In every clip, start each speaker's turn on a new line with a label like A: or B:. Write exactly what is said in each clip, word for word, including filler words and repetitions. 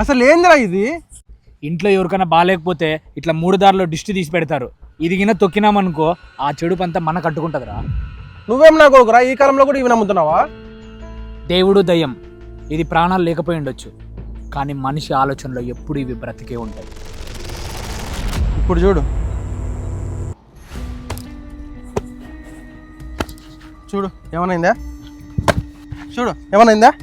A: అసలు ఏందిరా ఇది?
B: ఇంట్లో ఎవరికైనా బాగాలేకపోతే ఇట్లా మూడు దారిలో దిష్టి తీసి పెడతారు. ఇది గిన తొక్కినామనుకో ఆ చెడు పంత మన కట్టుకుంటుందిరా.
A: నువ్వేం నా కొడుకురా, ఈ కాలంలో కూడా ఇవి నమ్ముతున్నావా?
B: దేవుడు దయ్యం ఇది ప్రాణాలు లేకపోయి ఉండొచ్చు, కానీ మనిషి ఆలోచనలో ఎప్పుడు ఇవి బ్రతికే ఉంటాయి.
A: ఇప్పుడు చూడు చూడు ఏమనైందా? చూడు ఏమనైందా?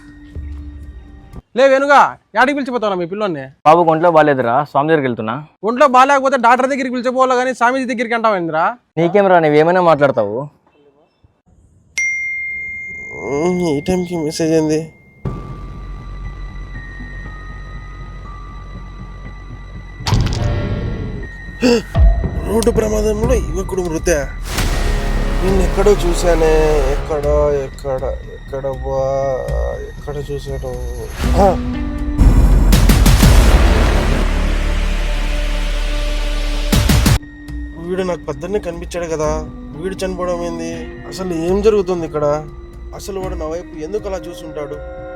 A: లే వెనుగా యాడికి పిలిచిపోతావు మీ పిల్లోని?
C: బాబు ఒంట్లో బాగాలేదురా, స్వామి దగ్గరికి వెళ్తున్నా.
A: ఒంట్లో బాగాలేకపోతే డాక్టర్ దగ్గరికి పిలిచిపోవాలి కానీ స్వామీజీ దగ్గరికి అంటావేంద్రా?
C: నీకేమరా, నువ్వేమైనా మాట్లాడతావు.
A: ఈ టైంకి మెసేజ్ ఏంది? రోడ్డు ప్రమాదంలో యువకుడు మృత. నేను ఎక్కడో చూశానే, ఎక్కడ ఎక్కడ ఎక్కడ బా ఎక్కడ చూశాను. వీడు నాకు పొద్దున్నే కనిపించాడు కదా, వీడు చనిపోవడం ఏంది? అసలు ఏం జరుగుతుంది ఇక్కడ? అసలు వాడు నా వైపు ఎందుకు అలా చూసుంటాడు?